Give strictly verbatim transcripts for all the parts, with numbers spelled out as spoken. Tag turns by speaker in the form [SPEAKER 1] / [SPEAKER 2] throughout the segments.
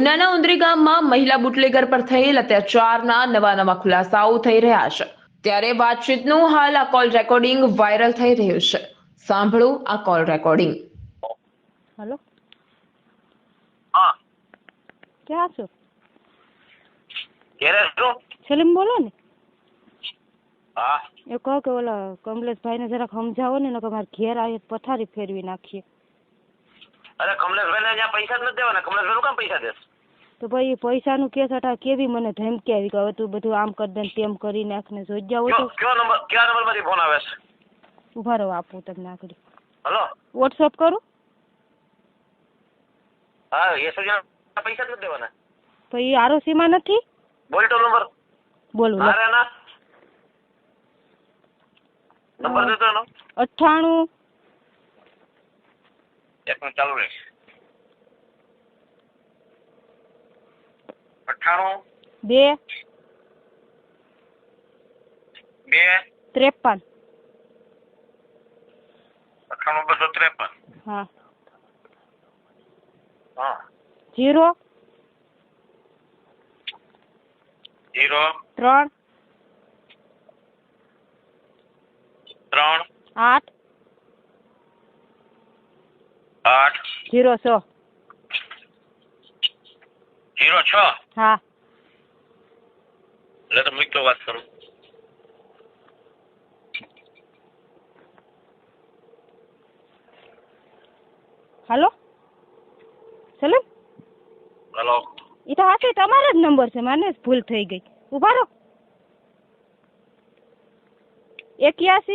[SPEAKER 1] ઉનાના ઉંદરી ગામમાં મહિલા બુટલેગર પર થયેલ અત્યાચારના નવા નવા ખુલાસાઓ થઈ રહ્યા છે। ત્યારે વાતચીતનું હાલ આ કોલ રેકોર્ડિંગ વાયરલ થઈ રહ્યું છે। સાંભળો આ કોલ રેકોર્ડિંગ।
[SPEAKER 2] हेलो
[SPEAKER 3] हाँ
[SPEAKER 2] क्या છો?
[SPEAKER 3] कह रहे हो?
[SPEAKER 2] सलीम बोलो ने।
[SPEAKER 3] हाँ
[SPEAKER 2] એ કહો કે ઓલા કમલેશભાઈને જરાક સમજાવો ને નકર મારે ઘેર આવી પથારી ફેરવી નાખીએ।
[SPEAKER 3] अरे कमलेशભાઈ ने यहाँ पैसा જ નથી દેવાના। કમલેશભાઈ નું કામ પૈસા દેસ?
[SPEAKER 2] તો ભાઈ પૈસાનું કેસ હતા કેવી મને ધમકી આવી કે હવે તું બધું આમ કરી દે ને તેમ કરી નાખ ને જોઈ જાવ
[SPEAKER 3] કયો
[SPEAKER 2] તો
[SPEAKER 3] કયો નંબર કયા નંબર માંથી ફોન આવે છે?
[SPEAKER 2] ઉભા રહો આપું તમને આગળ
[SPEAKER 3] हेलो
[SPEAKER 2] વોટ્સઅપ કરું।
[SPEAKER 3] हाँ ये सब यहाँ पैसा જ નથી દેવાના।
[SPEAKER 2] તો એ આરોસીમાં નથી
[SPEAKER 3] बोल तो नंबर
[SPEAKER 2] બોલું
[SPEAKER 3] अरे ना नंबर देते हो ना
[SPEAKER 2] અઠ્ઠાણું
[SPEAKER 3] एक मिनट चालू रहे। अठाणु
[SPEAKER 2] બે
[SPEAKER 3] बे
[SPEAKER 2] ત્રેપન
[SPEAKER 3] अठाणु बसो त्रेपन
[SPEAKER 2] હા
[SPEAKER 3] हाँ
[SPEAKER 2] જીરો
[SPEAKER 3] जीरो
[SPEAKER 2] ત્રણ
[SPEAKER 3] त्रण
[SPEAKER 2] આઠ
[SPEAKER 3] आठ
[SPEAKER 2] જીરો છ
[SPEAKER 3] जीरो छ
[SPEAKER 2] હા
[SPEAKER 3] એટલે તો મૂકી તો વાત કરું।
[SPEAKER 2] હાલો સલીમ
[SPEAKER 3] हेलो
[SPEAKER 2] એ તો હાથે તમારો જ નંબર છે મને જ ભૂલ થઈ ગઈ ઉભા રહો એક્યાસી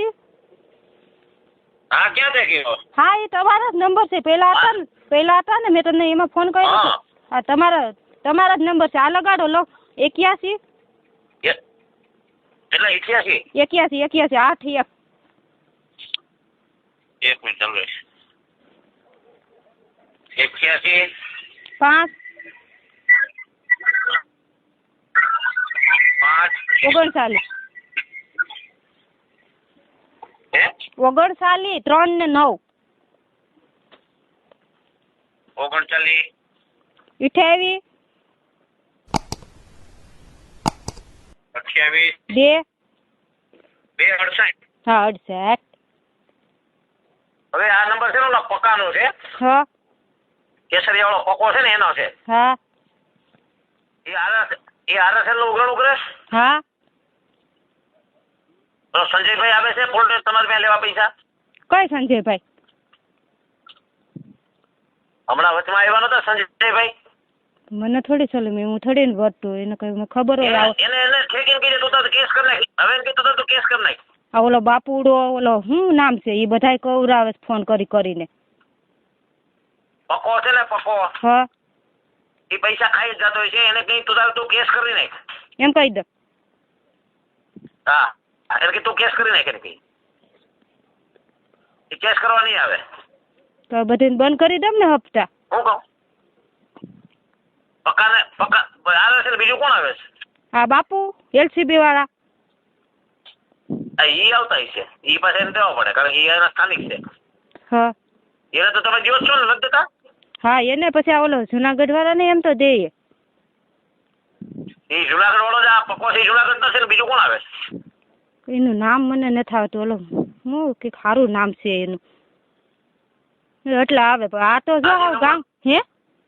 [SPEAKER 3] हाँ क्या थे कि
[SPEAKER 2] હા એ તમારો જ નંબર છે પેલા હતા ને પેલા હતા ને મેં તમને એમાં ફોન કર્યો
[SPEAKER 3] हाँ
[SPEAKER 2] હતો હા તમારા તમારા જ નંબર છે આ લગાડો લો એક્યાસી
[SPEAKER 3] ये એટલે इक्यासी
[SPEAKER 2] એક્યાસી એક્યાસી આઠ એક
[SPEAKER 3] एक मिनट चालू रहे। इक्यासी
[SPEAKER 2] પાંચ
[SPEAKER 3] पाँच
[SPEAKER 2] ઓગણચાલીસ
[SPEAKER 3] है
[SPEAKER 2] ઓગણચાલીસ ત્રણ ને નવ
[SPEAKER 3] ओगणचालीस
[SPEAKER 2] અઠ્યાવીસ
[SPEAKER 3] अठावीस
[SPEAKER 2] બે
[SPEAKER 3] બે अड़सठ।
[SPEAKER 2] હા અડસઠ
[SPEAKER 3] હવે આ નંબર છે ને ઓલા પકાનો છે
[SPEAKER 2] છ
[SPEAKER 3] કેસરિયા વાળો પકો છે ને એનો છે।
[SPEAKER 2] હા
[SPEAKER 3] એ આરસ એ આરએસએલ નું ઉઘરાણું કરે
[SPEAKER 2] હા
[SPEAKER 3] તો સંજયભાઈ આવે છે પોલીસ તમારે ત્યાં લેવા પૈસા?
[SPEAKER 2] કઈ સંજયભાઈ
[SPEAKER 3] હમણાં વચમાં આવ્યા નતા સંજયભાઈ?
[SPEAKER 2] મને થોડી સલીમ હું થોડી ને વર્તું એને કઈ મને ખબર હોય આવો
[SPEAKER 3] એને એને ઠેકીને કીધું તું તો કેસ કરી નાખ। હવે એને કીધું તું કેસ કરી નાખ।
[SPEAKER 2] આ ઓલો બાપુડો ઓલો શું નામ છે એ બધાય કવરાવે છે ફોન કરી કરીને
[SPEAKER 3] પકો છે ને પકો
[SPEAKER 2] હા
[SPEAKER 3] એ પૈસા ખાઈ જ જતો હોય છે એને કઈ તું તારે તું કેસ કરી નાખ।
[SPEAKER 2] એમ કહી દો
[SPEAKER 3] હા એટલે કે તું કેસ કરી નાખ એને કઈ એ કેસ કરવા નહીં આવે।
[SPEAKER 2] તો બધું બંધ કરી દઉં ને હપ્તા
[SPEAKER 3] હું કહું પક્કાને પક્કા આવે છે ને બીજું કોણ આવે છે?
[SPEAKER 2] હા બાપુ એલસીબી વાળા
[SPEAKER 3] આ ઈ આવતા હશે ઈ પાસે એને દેવા પડે કારણ કે ઈ એના સ્થાનિક છે।
[SPEAKER 2] હા
[SPEAKER 3] એને તો તમે જીવો જ છો ને નથી દેતા?
[SPEAKER 2] હા એને પછી આ ઓલો જુનાગઢ વાળા ને એમ તો દે
[SPEAKER 3] એ જુનાગઢ વાળો જ આ પકો છે જુનાગઢ નો છે ને બીજું કોણ આવે છે?
[SPEAKER 2] એનું નામ મને નથી આવતું ઓલો હું કે સારું નામ છે એનું એટલે આવે પણ આ તો જો ગામ હે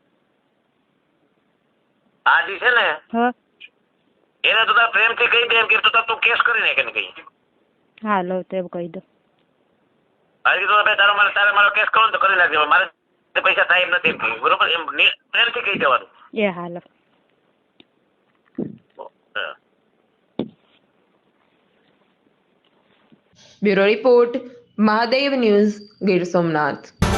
[SPEAKER 3] આ જી છે ને
[SPEAKER 2] હા
[SPEAKER 3] એને તો તારે પ્રેમથી કહી દે એમ કે તું તાર તું કેસ કરી નાખ એને કઈ।
[SPEAKER 2] હા લો તો એમ કહી દો
[SPEAKER 3] આ કીધું ભાઈ તારો મારે તારે મારો કેસ કરો ને તો કરી નાખજો મારે પૈસા થાય એમ નથી એમ કહ્યું બરોબર એમ પ્રેમથી કહી દેવાનું।
[SPEAKER 2] એ હાલો
[SPEAKER 1] bureau report Mahadev news Gir Somnath.